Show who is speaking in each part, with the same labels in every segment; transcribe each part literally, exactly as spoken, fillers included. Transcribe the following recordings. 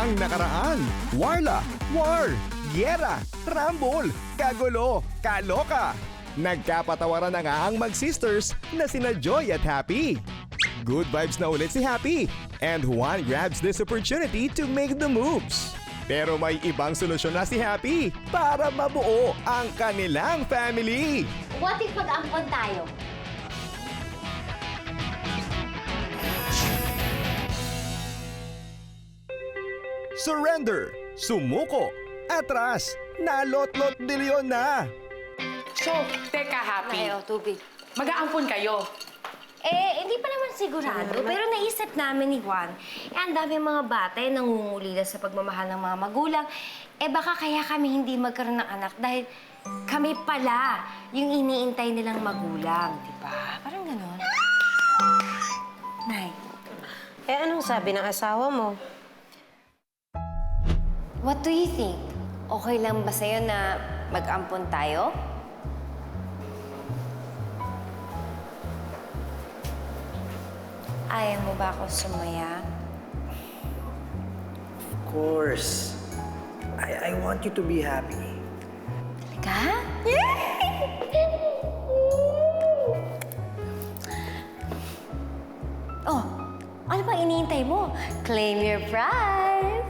Speaker 1: ang nakaraan. Warla, war, giyera, rambol, kagulo, kaloka. Nagkapatawaran na nga ang mag-sisters na sina Joy at Happy. Good vibes na ulit si Happy, and Juan grabs this opportunity to make the moves. Pero may ibang solusyon na si Happy para mabuo ang kanilang family.
Speaker 2: What if mag-ampon tayo?
Speaker 1: Surrender, sumuko, atras, nalotlot dilyon na.
Speaker 3: So, teka, Happy.
Speaker 2: Ayaw, tubig.
Speaker 3: Mag-aampon kayo.
Speaker 2: Eh, hindi pa naman sigurado. Pero naisip namin ni Juan, eh, ang dami mga bata eh, nangungulila sa pagmamahal ng mga magulang. Eh, baka kaya kami hindi magkaroon ng anak dahil kami pala yung iniintay nilang magulang, di ba? Parang gano'n. Nay.
Speaker 4: Eh, anong sabi ng asawa mo?
Speaker 2: What do you think? Okay lang ba sa'yo na mag-ampon tayo? Ayaw mo ba ako sumaya?
Speaker 5: Of course. I, I want you to be happy.
Speaker 2: Talaga? Oh, ano bang iniintay mo? Claim your prize!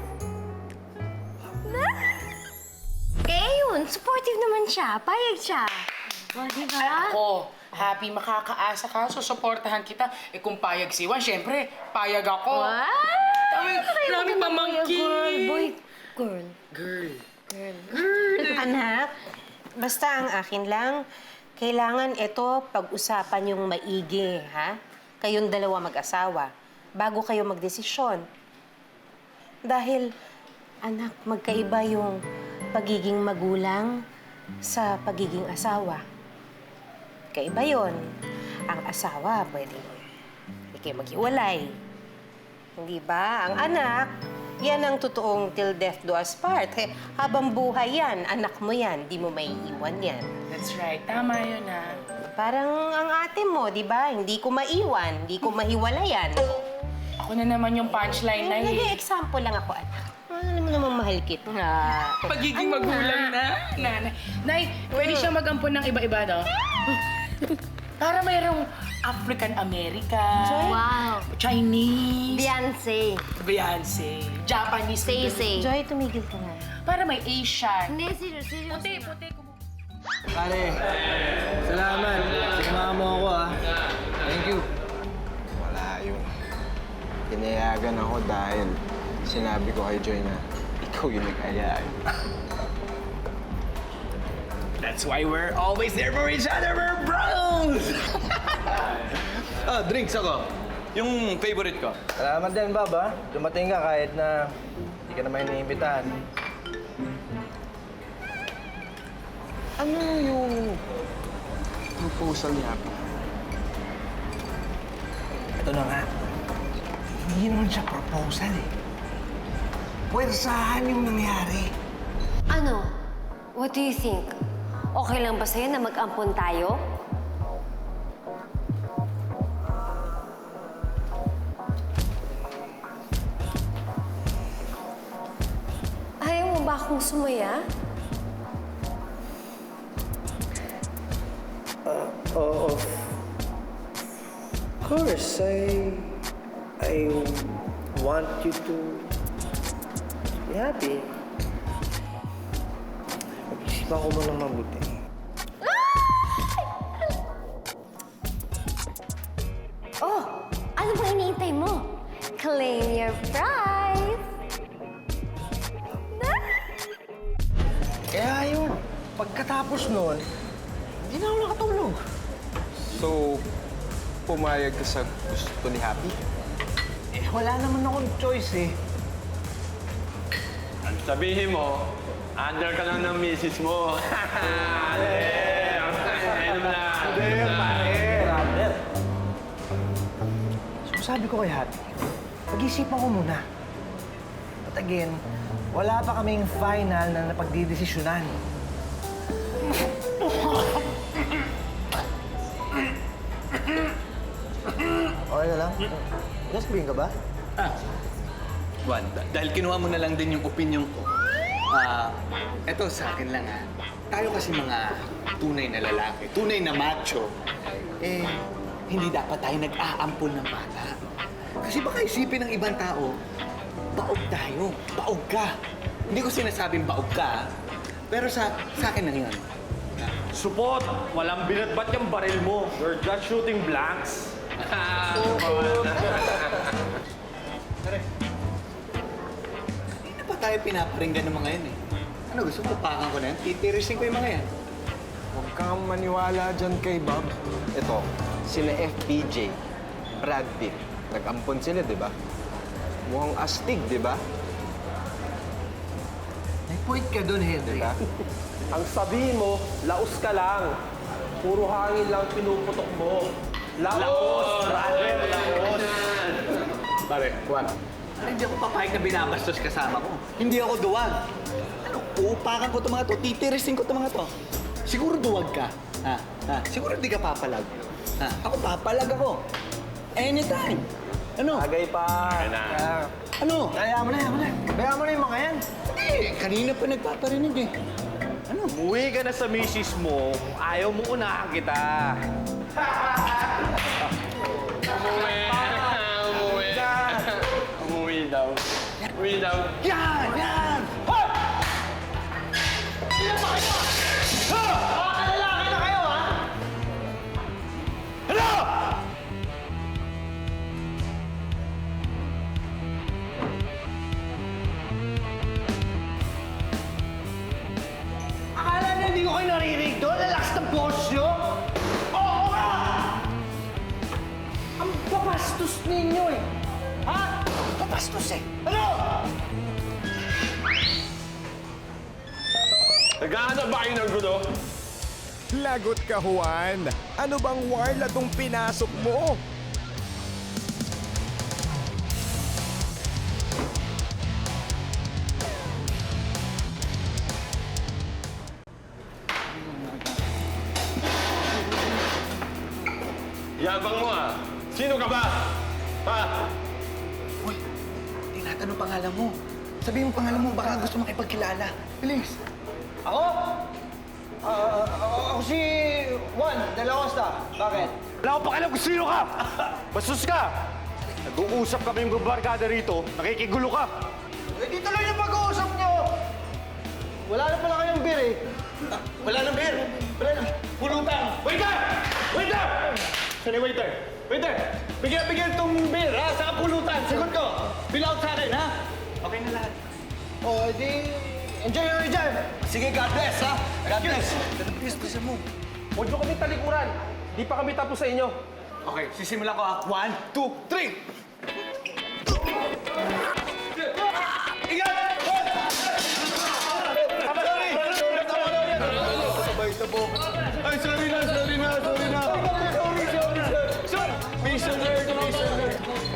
Speaker 2: Kaya yun, supportive naman siya. Payag siya. O, di ba?
Speaker 3: Ako, Happy, makakaasa ka, susuportahan kita. Eh kung payag si Juan, syempre, payag ako.
Speaker 2: What?
Speaker 3: Dami, dami pamangkin.
Speaker 2: Girl, boy, girl.
Speaker 3: Girl.
Speaker 4: Anak, basta ang akin lang, kailangan ito pag-usapan yung maigi, ha? Kayong dalawa mag-asawa, bago kayo magdesisyon. Dahil, anak, magkaiba yung pagiging magulang sa pagiging asawa. Kaiba yun. Ang asawa, pwede hindi kayo maghiwalay. Hindi ba? Ang anak, yan ang totoong till death do us part. Eh, habang buhay yan, anak mo yan, di mo may iwan yan.
Speaker 3: That's right. Tama yun, ha?
Speaker 4: Parang ang ate mo, di ba? Hindi ko maiwan, hindi ko mahiwalayan.
Speaker 3: Ako na naman yung punchline na eh.
Speaker 4: Nag-example lang ako, anak. Alam mo namang mahal kita. Ah.
Speaker 3: Pagiging magulang na, nanay. Nay, pwede siya mag-ampon ng iba-iba, no? Para mayroong African-American,
Speaker 2: Wow.
Speaker 3: Chinese,
Speaker 2: Beyonce.
Speaker 3: Beyonce, Japanese.
Speaker 2: Say-say.
Speaker 4: Joy, tumigil ka nga.
Speaker 3: Para may Asian.
Speaker 2: Hindi, serious, serious.
Speaker 3: Puti, puti.
Speaker 5: Pare, salamat. Sinama mo ako, ah. Thank you.
Speaker 6: Wala yun. Pinayagan ako dahil sinabi ko kay Joy na ikaw yung nag-ayaan.
Speaker 5: That's why we're always there for each other. We're bros!
Speaker 7: Ah, drinks ako. Yung favorite ko.
Speaker 5: Salamat din, Bob, ah. Dumating ka kahit na hindi ka naman iniimbitahan.
Speaker 6: Ano yung proposal niya?
Speaker 5: Ito na nga. Hindi naman siya proposal, eh. Pwersahan yung nangyari.
Speaker 2: Ano? What do you think? Okay lang ba sa'yo na mag-ampon tayo? Ayaw mo ba akong sumaya?
Speaker 5: Oh, of course, I... I want you to be happy. Mag-isipan ko mo ng mabuti.
Speaker 2: Oh, ano bang iniintay mo? Claim your prize!
Speaker 5: Kaya yun, pagkatapos nun, hindi na ako nakatulog.
Speaker 6: So, pumayag ka sa gusto ni Happy?
Speaker 5: Eh, wala naman akong choice eh.
Speaker 7: Ang sabihin mo, under ka lang ng misis mo. Ayun na.
Speaker 5: Hindi, pare. Robert. So, sabi ko kay Happy, pag-isipan ko muna. At again, wala pa kaming final na napagdidesisyonan. Okay na lang? Just green ka ba?
Speaker 8: Juan, dah- dahil kinuha mo na lang din yung opinion ko, ah, eto sa akin lang ha. Tayo kasi mga tunay na lalaki, tunay na macho, eh, hindi dapat tayo nag-aampon ng bata. Kasi baka isipin ng ibang tao, baog tayo, baog ka. Hindi ko sinasabing baog ka, ha? Pero sa, sa akin lang yun.
Speaker 7: Support! Walang binatbat yung baril mo. You're just shooting blanks.
Speaker 8: Hindi pa tayo pinaparinggan ng mga yan eh. Ano, gusto mo pakan ko na yan? Titirisin ko yung mga yan.
Speaker 6: Huwag kang maniwala dyan kay Bob. Ito, sila F P J, Brad Pitt. Nag-ampon sila, di ba? Mukhang astig, di ba?
Speaker 5: May point ka doon, Henry.
Speaker 6: Diba?
Speaker 7: Ang sabihin mo, laos ka lang. Puro hangin lang pinuputok mo. Laos, brother, laos.
Speaker 8: Pare, Juan. Ano, hindi ako papayag na binabastos kasama ko. Hindi ako duwag. Ano, uupakan ko itong mga to, titirisin ko itong mga to. Siguro duwag ka. Ha? Ha? Siguro di ka papalag. Ha? Ako papalag ako. Anytime. Ano?
Speaker 6: Bagay pa.
Speaker 8: Ano?
Speaker 5: Kaya mo na, kaya mo na. Kaya mo na yung mga yan.
Speaker 8: Hindi, kanina pa nagpaparinig eh. Ano?
Speaker 7: Umuwi ka na sa misis mo. Ayaw mo unahan kita. Umuwi. Umuwi. Umuwi daw. Umuwi daw.
Speaker 8: Yan! Yan!
Speaker 5: Akala niyo hindi ko kayo naririnig doon? Lalakas ng boss niyo? Oo nga! Ang babastos ninyo eh! Ha? Babastos eh! Ano?
Speaker 7: Naghahanap ba kayo ng gulo?
Speaker 1: Lagot ka, Juan. Ano bang warla tong pinasok mo?
Speaker 7: Yabang mo ah. Sino ka ba? Ha?
Speaker 8: Uy, tinatanong pangalan mo. Sabihin mo pangalan mo, baka gusto makipagkilala. Bilis.
Speaker 5: Ako? Ah, ah, ako si Juan de la Costa. Bakit?
Speaker 7: Wala ko pakialam kung sino ka! Bastos ka! Nag-uusap kami yung barkada rito, nakikigulo ka!
Speaker 5: Eh, di tuloy yung pag-uusap niyo! Wala na pala kayong beer eh.
Speaker 8: Wala nang beer. Wala nang pulutan.
Speaker 7: Waiter! Waiter! Saan yung waiter? Waiter! Bigyan, bigyan itong beer, ha? Sa pulutan! Sagot ko! Bill out sa akin, ha?
Speaker 8: Okay na lahat.
Speaker 5: O, oh, di... Enjoy your dyan!
Speaker 8: Sige, God bless, ha? God bless. God bless, gusto mo.
Speaker 7: Huwag nyo kami talikuran! Di pa kami tapos sa inyo!
Speaker 8: Okay, sisimulan ko, ha? One, two, three! Ingat! Ay, sorry na, sorry na, sorry na. Sorry, sorry, sorry. Sorry. Please, sir, please, sir.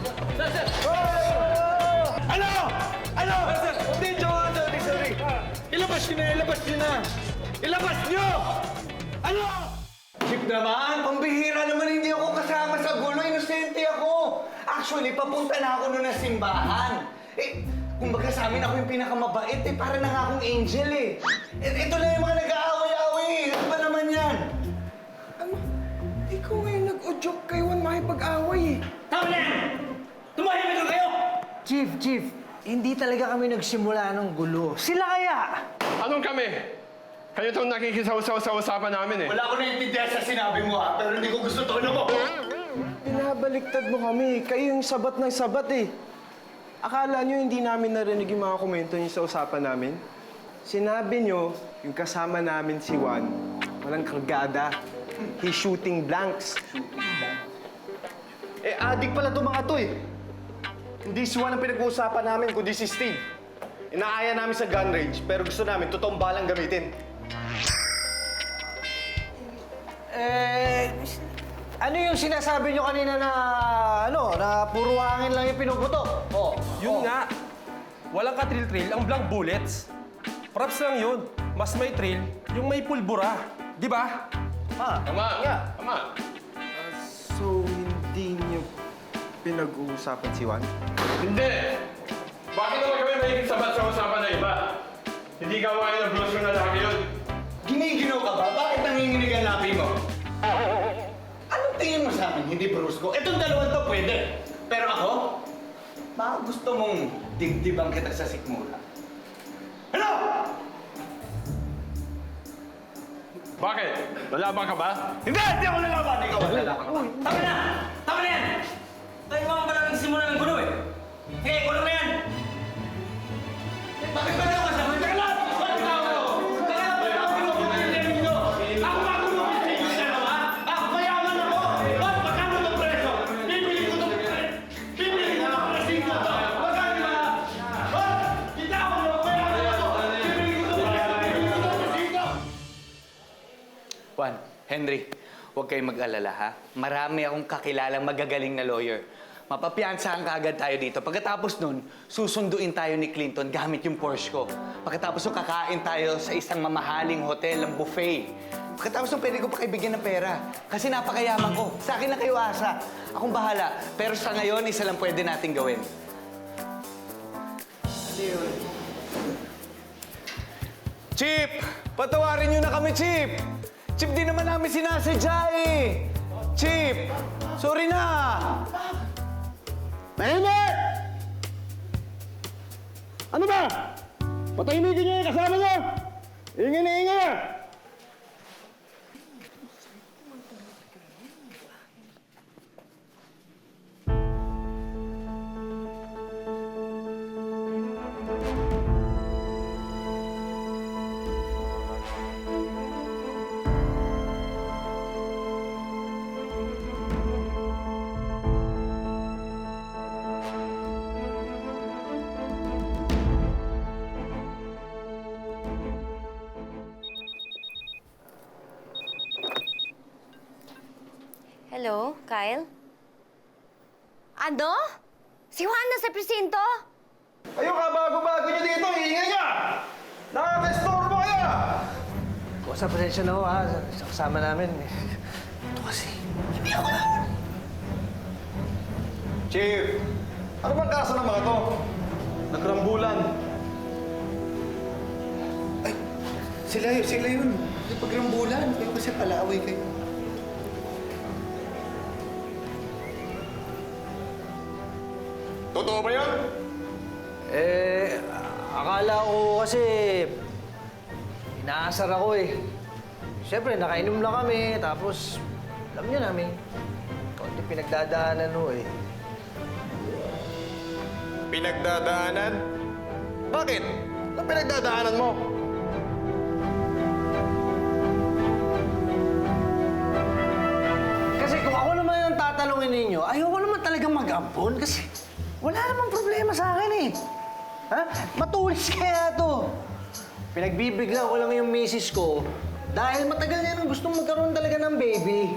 Speaker 7: Ano? Ano?
Speaker 8: Hindi, joke, sorry, sorry. Ilabas nyo na, ilabas nyo na. Ilabas nyo! Ano? Chip naman, pambihira naman hindi ako kasama sa gulo. Inosente ako. Actually, papunta na ako noon ng simbahan. Eh, kumbaga sa amin ako yung pinakamabait eh. Para na nga akong angel eh. Eh, ito lang yung mga nag-aaway-aaway eh. Ano ba naman yan?
Speaker 6: Ano? Ikaw ngayon nag-udyok kay Juan makipag-away eh.
Speaker 3: Tama na yan! Tumahimik na kayo!
Speaker 5: Chief, Chief, hindi talaga kami nagsimula ng gulo. Sila kaya?
Speaker 7: Anong kami? Kayo itong nakikisaw-saw sa usapan namin eh.
Speaker 8: Wala ko naiintindihan sa sinabi mo ha, pero hindi ko gusto tono mo.
Speaker 6: Pinabaliktad mo kami. Kayo yung sabat ng sabat eh. Akala nyo hindi namin narinig yung mga komento niyo sa usapan namin? Sinabi nyo, yung kasama namin si Juan, walang kargada. He's shooting blanks.
Speaker 7: Eh, adik pala itong mga to eh. Hindi si Juan ang pinag-uusapan namin, kundi si Steve. Inaaya namin sa gun range, pero gusto namin totoong balang gamitin.
Speaker 5: Eh, ano yung sinasabi nyo kanina na, ano, na puro hangin lang yung pinuputok? Oh,
Speaker 9: Yun nga. Walang ka-trill-trill ang blank bullets. Props lang yun. Mas may thrill yung may pulbura. Di ba?
Speaker 7: Tama, nga. Tama.
Speaker 6: So, hindi nyo pinag-uusapan si Juan?
Speaker 7: Hindi.
Speaker 9: Bakit naman kami mahigit sabat sa usapan na iba? Hindi gawain ng blues yung lalaki yun.
Speaker 8: Giniginaw ka ba? Bakit nanginginig ang labi mo? Anong tingin mo sa akin? Hindi brusko. Itong dalawang to pwede. Pero ako, baka gusto mong digdiban kita sa sikmura. Ano?
Speaker 9: Bakit? Lalaban ka ba?
Speaker 8: Hindi! Hindi ako lalaban! Ikaw ang lalaban.
Speaker 10: Tama na! Tama na yan! Tayo mga pala nagsimula ng gulo eh. Sige, gulo na yan!
Speaker 8: Bakit ba naman sa mga tagalog? Bakit ba ako? Tagalog ba ako? Gulo ko na yung narinig nyo? Ako ba gulo ko sa inyo dalawa? Ako mayaman ako! Ba't magkano ng preso? Bibili ko itong preso! Bibili ko ng presinto to! Magkano ba? Ba't? Kita ako! Mayaman ako! Bibili ko itong preso! Bibili ko itong presinto!
Speaker 11: Juan, Henry, huwag kayong mag-alala ha. Marami akong kakilalang magagaling na lawyer. Mapapiansahan ka agad tayo dito. Pagkatapos nun, susunduin tayo ni Clinton gamit yung Porsche ko. Pagkatapos nun, kakain tayo sa isang mamahaling hotel, ang buffet. Pagkatapos nun, pwede ko pa kayo bigyan ng pera. Kasi napakayaman ko. Sa akin lang kayo asa. Akong bahala. Pero sa ngayon, isa lang pwede natin gawin. Chip! Patawarin niyo na kami, Chip! Chip, di naman namin sinasadya eh! Chip! Sorry na!
Speaker 7: Tahimik! Ano ba? Patahimikin niyo yung kasama niyo! Ingay na ingay na!
Speaker 2: Hello, Kyle? Ano? Si Juan na sa presinto?
Speaker 6: Ayun ka, bago-bago nyo dito, ingay niya! Nakaka-estorbo kaya!
Speaker 5: Kosa, pasensya na ho ha, sa kasama namin. Ito kasi, hindi ako na.
Speaker 6: Chief, ano bang kaso ng mga to? Nagrambulan.
Speaker 7: Ay, sila yun, sila yun. Yung pagrambulan, kayo kasi palaaway kayo.
Speaker 6: Totoo ba yan?
Speaker 5: Eh, akala ko kasi inaasar ako eh. Siyempre, nakainom lang kami, tapos alam niyo namin, konti pinagdadaanan ho eh.
Speaker 6: Pinagdadaanan? Bakit? Anong pinagdadaanan mo?
Speaker 5: Kasi kung ako naman yung tatanungin ninyo, ayoko naman talagang mag-ampon kasi wala namang problema sa akin eh. Ha? Matulis kaya to. Pinagbibigla ko lang yung misis ko dahil matagal niya nang gustong magkaroon talaga ng baby.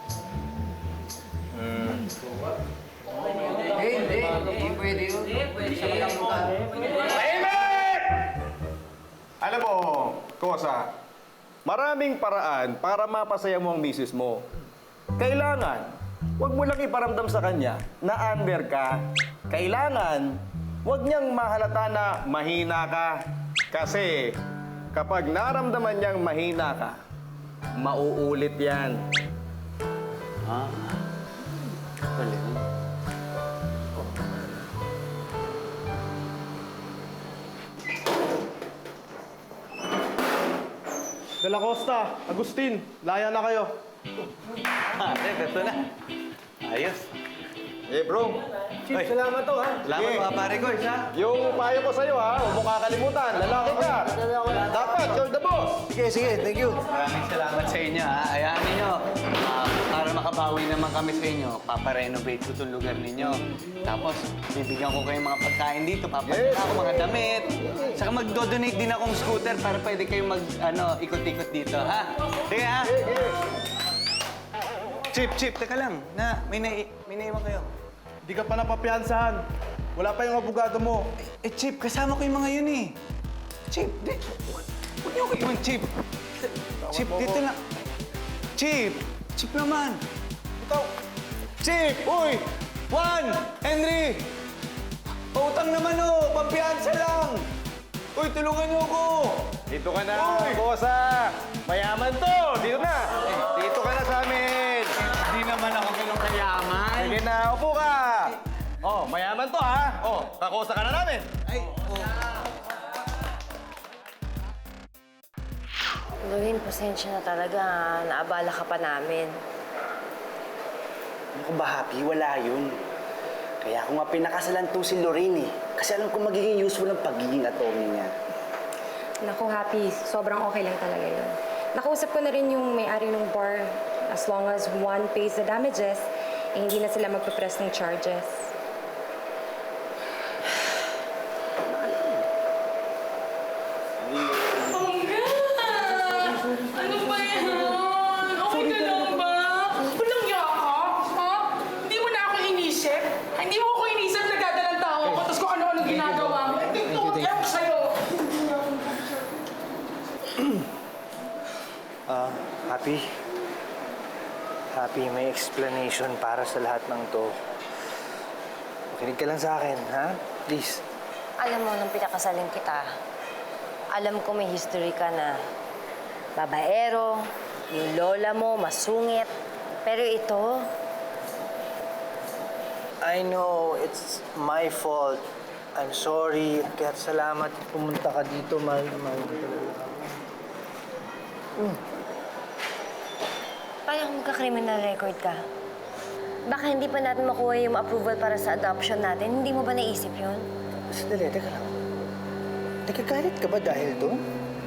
Speaker 6: Tahimik! Alam mo, Kosa, maraming paraan para mapasaya mo ang misis mo. Kailangan, huwag mo lang iparamdam sa kanya na under ka. Kailangan, huwag niyang mahalata na mahina ka. Kasi kapag naramdaman niyang mahina ka, mauulit yan. De La Costa, Agustin, laya na kayo.
Speaker 11: Ah, ito na. Ayos.
Speaker 6: Eh bro,
Speaker 5: Chief, salamat to ha.
Speaker 11: Salamat mga pare ko, isa.
Speaker 6: yung payo ko sa'yo ha, huwag mo kakalimutan. Lalaki ka. Dapat, you're the boss.
Speaker 5: Sige, sige, thank you.
Speaker 11: Maraming salamat sa inyo, ha. Ayahan ninyo. Ah, para makabawi naman kami sa inyo, paparenovate ko itong lugar ninyo. Tapos, bibigyan ko kayong mga pagkain dito. Papadala ako mga damit. Saka magdo-donate din akong scooter para pwede kayong mag, ano, ikot-ikot dito, ha? Sige, ha? Chip, Chip, teka lang. Na, may, na may naiwan kayo.
Speaker 6: Di ka pa napapiansahan. Wala pa yung abogado mo.
Speaker 11: Eh, Chip, kasama ko yung mga yun eh. Chip, di... Huwag niyo ko iwan, Chip. Chip, dito lang. Chip! Chip naman. Ito. Chip! Uy! Juan! Henry!
Speaker 8: Pautang naman oh, pampiyansa lang. Uy, tulungan niyo ako.
Speaker 7: Dito ka na,
Speaker 8: Uy!
Speaker 7: bosa. Mayaman to. Dito na. Dito ka na sa amin.
Speaker 11: Hindi naman ako ganun kayaman.
Speaker 7: Sige na, upo ka. Oh, mayaman to ha. Oh, kakosa ka na namin.
Speaker 2: Lorraine, pasensya na talaga. ha. Naabala ka pa namin.
Speaker 5: Ano ko ba, Happy? Wala yun. Kaya ako nga pinakasalan to si Lorraine eh. Kasi alam ko magiging useful ang pagiging attorney niya.
Speaker 12: Naku, Happy. Sobrang okay lang talaga yun. Nakausap ko na rin yung may-ari ng bar. As long as one pays the damages, eh hindi na sila magpapress ng charges.
Speaker 3: Ano ba yan? Okay ka lang ba? Walang yaka? Ha? Hindi mo na ako inisip? Hindi mo ako inisip na dadalang tao ako tapos kung ano-ano ginagawa mo. Ito yung ewan sa'yo.
Speaker 6: Ah, Happy. Happy, may explanation para sa lahat ng to. Makinig ka lang sa akin, ha? Please.
Speaker 2: Alam mo, nung pinakasaling kita, alam ko may history ka na babaero, yung lola mo, masungit. Pero ito,
Speaker 6: I know, it's my fault. I'm sorry. Kaya salamat pumunta ka dito, mahal na mahal ko talaga.
Speaker 2: parang magka-criminal record ka. Baka hindi pa natin makuha yung approval para sa adoption natin. Hindi mo ba naisip yun?
Speaker 6: Sandali, teka lang. Nagkagalit ka ba dahil doon?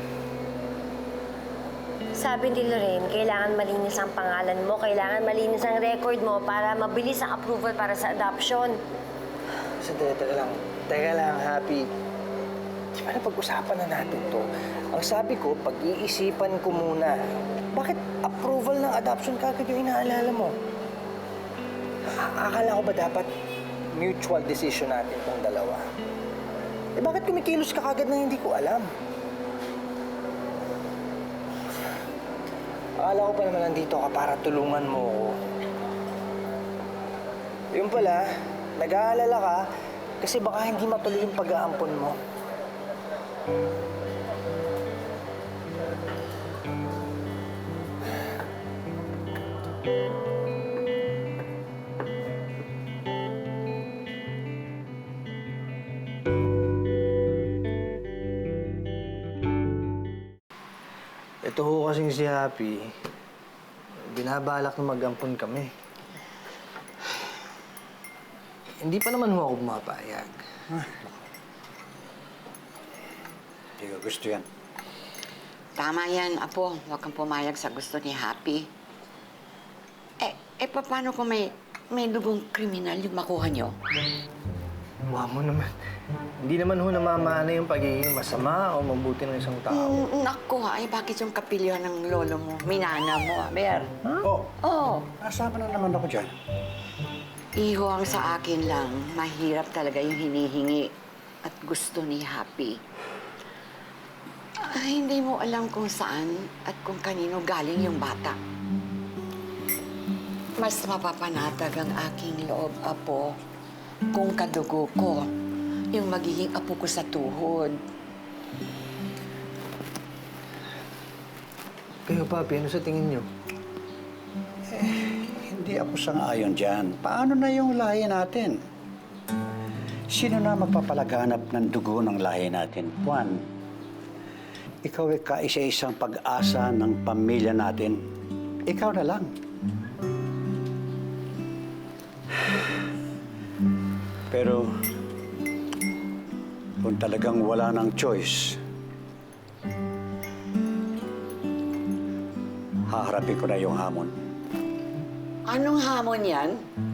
Speaker 2: Sabi ni Lorraine, kailangan malinis ang pangalan mo, kailangan malinis ang record mo para mabilis ang approval para sa adoption.
Speaker 6: Sandali, teka lang. Teka lang, Happy. Di ba napag-usapan na natin to? Ang sabi ko, pag-iisipan ko muna. Bakit approval ng adoption kagad yung inaalala mo? A- akala ko ba dapat mutual decision natin tong dalawa? Eh bakit kumikilos ka kagad na hindi ko alam? Akala ko pa naman nandito ka para tulungan mo ako. Yung pala, nag-aalala ka kasi baka hindi matuloy yung pag-aampon mo. Ito ho kasing si Happy, binabalak na mag-ampon kami. Hindi pa naman ho ako pumapayag.
Speaker 13: Hindi ko gusto yan.
Speaker 14: Tama yan, Apo. Huwag kang pumayag sa gusto ni Happy. Eh, eh paano kung may, may dugong kriminal yung makuha nyo?
Speaker 6: Mukha mo naman. Hindi naman ho namamana yung pagiging masama o mabuti ng isang tao.
Speaker 14: Mm, naku, ay bakit yung kapilyo ng lolo mo? Minana mo, Aber.
Speaker 13: Oh,
Speaker 14: Oo.
Speaker 13: nasama na naman ako dyan.
Speaker 14: Iho ang sa akin lang, mahirap talaga yung hinihingi at gusto ni Happy. Ah, hindi mo alam kung saan at kung kanino galing yung bata. Mas mapapanatag ang aking loob, Apo, kung kadugo ko yung magiging apo ko sa tuhod.
Speaker 6: Kayo, Papi, ano sa tingin niyo?
Speaker 13: Eh, hindi ako sang-ayon dyan. Paano na yung lahi natin? Sino na magpapalaganap ng dugo ng lahi natin? Juan, ikaw ay kaisa-isang pag-asa ng pamilya natin. Ikaw na lang. Pero, kung talagang wala ng choice, haharapin ko na yung hamon.
Speaker 14: Anong hamon yan?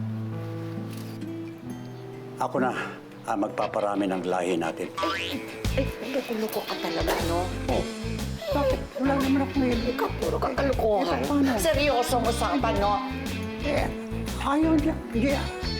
Speaker 13: Ako na ang magpaparami ng lahi natin.
Speaker 14: Eh, loko-loko ka talaga, no?
Speaker 13: Oh, bakit? Wala naman ako ngayon.
Speaker 14: Ikaw, puro kang kalukuhan.
Speaker 13: Eh, paano?
Speaker 14: Seryosong usapan, no?
Speaker 13: Eh, ayaw niya. Hindi.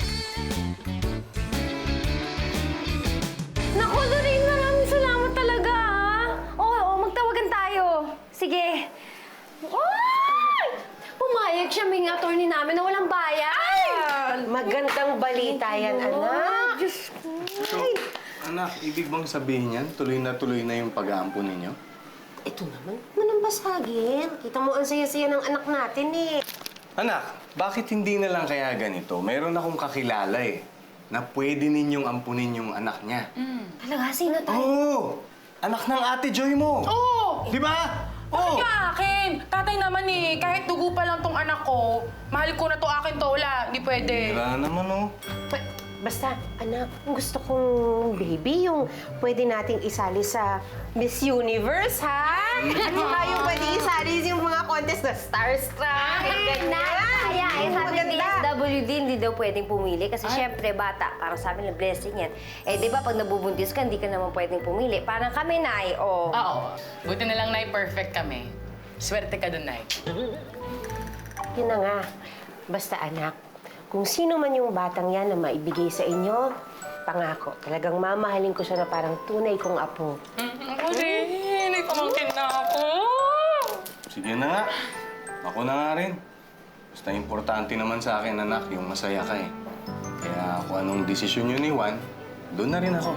Speaker 2: Naku, Lorraine, maraming salamat talaga, ha? Oo, oo, magtawagan tayo. Sige. Ay! Pumayag siya, may attorney namin na walang bayad.
Speaker 4: Ma, Magandang balita yan, anak.
Speaker 7: So, anak, ibig bang sabihin yan? Tuloy na tuloy na yung pag-aampon ninyo?
Speaker 4: Ito naman, huwag mo nang basagin. Kita mo ang saya-saya ng anak natin eh.
Speaker 7: Anak, bakit hindi na lang kaya ganito? Mayroon akong kakilala eh, na pwede ninyong ampunin yung anak niya.
Speaker 2: Talaga, sino tayo?
Speaker 7: Oo! Anak ng ate Joy mo!
Speaker 3: Oo!
Speaker 7: Di ba?
Speaker 3: Bakit
Speaker 7: Oo!
Speaker 3: yung akin? Tatay naman eh, kahit dugo pa lang tong anak ko, mahal ko na to akin to, wala, hindi pwede.
Speaker 7: Wala naman oh.
Speaker 4: Ba- Basta, anak, gusto kong baby yung pwede nating isali sa Miss Universe, ha? At saka yung pwede isali yung mga contest na Starstruck.
Speaker 2: Na, kaya eh, sabi ni
Speaker 4: Maganda.
Speaker 2: S W D, hindi daw pwedeng pumili kasi syempre bata, para sa amin na blessing yan. Eh, di ba pag nabubuntis ka, hindi ka naman pwedeng pumili. Parang kami, Nay, oh.
Speaker 3: Oo. Buti na lang, Nay, perfect kami. Swerte ka dun, Nay.
Speaker 4: Yun na nga. Basta, anak, kung sino man yung batang yan na maibigay sa inyo, pangako, talagang mamahalin ko siya na parang tunay kong apo.
Speaker 3: Ako rin, may pamangkin na ako.
Speaker 7: Sige na nga. Ako na nga rin. Basta importante naman sa akin, anak, yung masaya ka eh. Kaya kung anong desisyon yun ni Juan, doon na rin ako.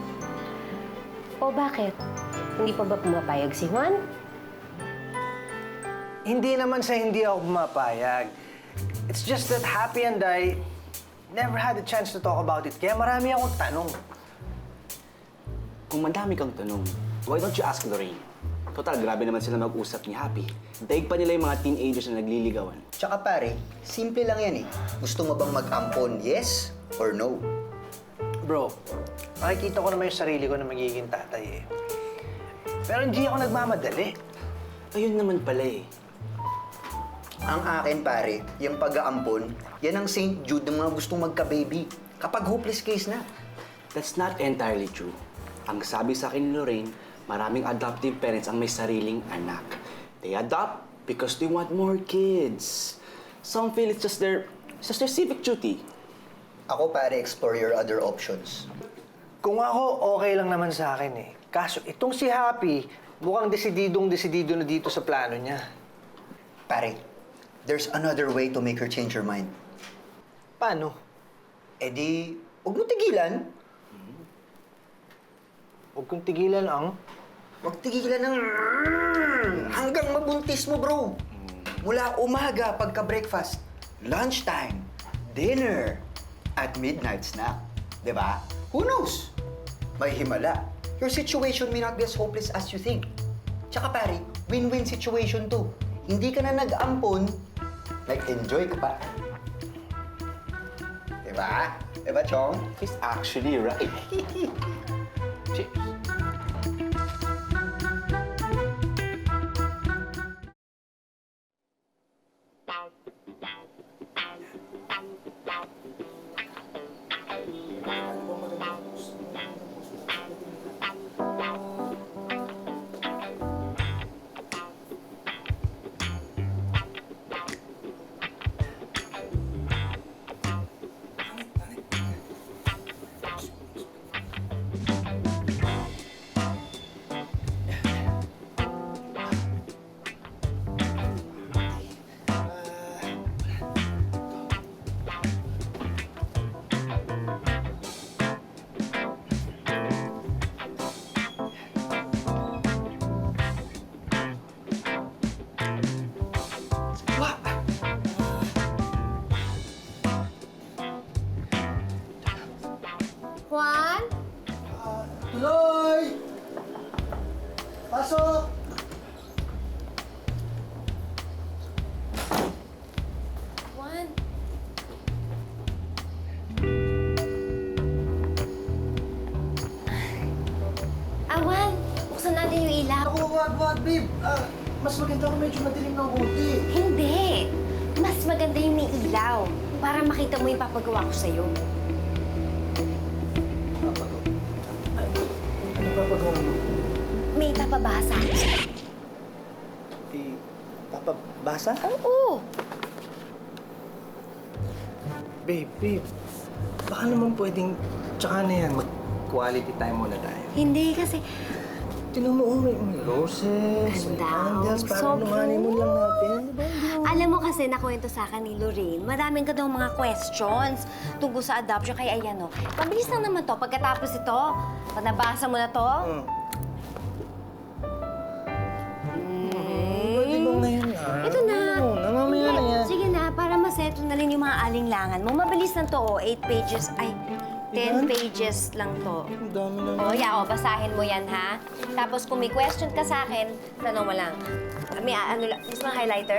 Speaker 4: O bakit? Hindi pa ba pumapayag si Juan?
Speaker 5: Hindi naman sa hindi ako pumapayag. It's just that Happy and I never had a chance to talk about it. Kaya marami akong tanong.
Speaker 15: Kung madami kang tanong, why don't you ask Lorraine? Total, grabe naman sila mag-usap ni Happy. Daig pa nila yung mga teenagers na nagliligawan.
Speaker 16: Tsaka pare, simple lang yan eh. Gusto mo bang mag-ampon, yes or no?
Speaker 5: Bro, nakikita ko naman yung sarili ko na magiging tatay eh. Pero hindi ako nagmamadali.
Speaker 15: Ayun naman pala eh.
Speaker 16: Ang akin pare, yung pag-aampon, yan ang Saint Jude ng mga gustong magka-baby. Kapag hopeless case na.
Speaker 15: That's not entirely true. Ang sabi sa akin ni Lorraine, maraming adoptive parents ang may sariling anak. They adopt because they want more kids. Some feel it's just their, it's just their civic duty.
Speaker 16: Ako pare, explore your other options.
Speaker 5: Kung ako, okay lang naman sa akin eh. Kaso itong si Happy, mukhang desididong-desidido na dito sa plano niya.
Speaker 16: Pare, there's another way to make her change her mind.
Speaker 5: Paano?
Speaker 16: Eh di, huwag mo tigilan.
Speaker 5: Huwag kong tigilan ang...
Speaker 16: Huwag tigilan ng... hanggang mabuntis mo, bro. Mula umaga pagka-breakfast, lunchtime, dinner, at midnight snack. Diba? Who knows? May himala. Your situation may not be as hopeless as you think. Tsaka pare, win-win situation to. Hindi ka na nag-ampon, nag-enjoy ka pa. Diba? Diba, Chong?
Speaker 15: He's actually right.
Speaker 16: Cheers.
Speaker 2: Juan?
Speaker 5: Tuloy! Pasok!
Speaker 2: Juan? Ah, Juan, buksan natin yung ilaw.
Speaker 5: Ako, wag, wag, babe. Ah, mas maganda kung medyo madilim ng konti.
Speaker 2: Hindi. Mas maganda yung may ilaw para makita mo yung papagawa ko sa'yo.
Speaker 5: Ano ba pagawa mo?
Speaker 2: May papabasa.
Speaker 5: Eh, papabasa?
Speaker 2: Oo.
Speaker 5: Babe, babe. Baka naman pwedeng... Tsaka na yan, mag-quality time muna tayo.
Speaker 2: Hindi kasi...
Speaker 5: Tinan mo, oh, may may roses, may
Speaker 2: Ganda,
Speaker 5: candles,
Speaker 2: oh.
Speaker 5: para
Speaker 2: So
Speaker 5: nung honeymoon lang natin. Di ba? Hindi mo
Speaker 2: Alam mo kasi nakwento sa akin ni Lorraine, maraming ka daw mga questions tungkol sa adoption. Kaya ayan o, mabilis lang naman to. Pagkatapos ito, pag nabasa mo na to,
Speaker 5: Pwede ba ngayon na?
Speaker 2: ito na.
Speaker 5: Oo, namamaya na yan.
Speaker 2: Sige na, para masettle na rin yung mga alinlangan mo. Mabilis lang to, oh. Eight pages, ay, ten pages lang to.
Speaker 5: Ang dami na.
Speaker 2: O, yeah, o, basahin mo yan, ha? Tapos kung may question ka sa akin, tanong mo lang. May ah, ano lang, gusto mo ng highlighter?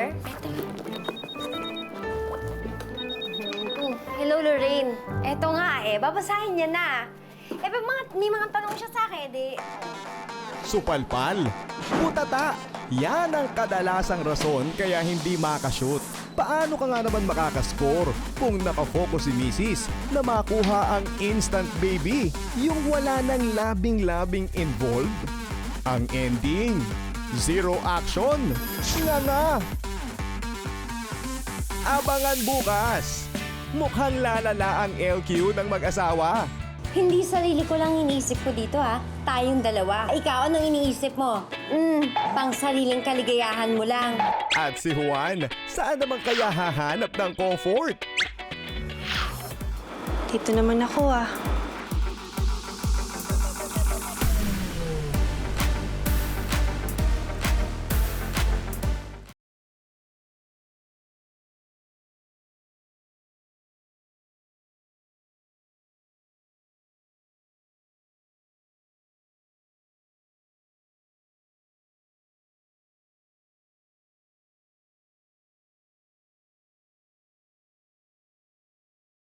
Speaker 2: Oh, hello, Lorraine. Eto nga eh, babasahin niya na. Eh, pag mga, may mga tanong siya sa akin, di...
Speaker 1: Supalpal, putata. Yan ang kadalasang rason kaya hindi makashoot. Paano ka nga naman makakascore kung nakafocus si Missus na makuha ang instant baby, yung wala nang labing-labing involved? Ang ending, zero action. Nga nga. Abangan bukas. Mukhang lalala ang L Q ng mag-asawa.
Speaker 2: Hindi sarili ko lang iniisip ko dito, ha? Tayong dalawa. Ikaw, anong iniisip mo? Hmm, pang sariling kaligayahan mo lang.
Speaker 1: At si Juan, saan naman kaya hahanap ng comfort?
Speaker 12: Dito naman ako ah.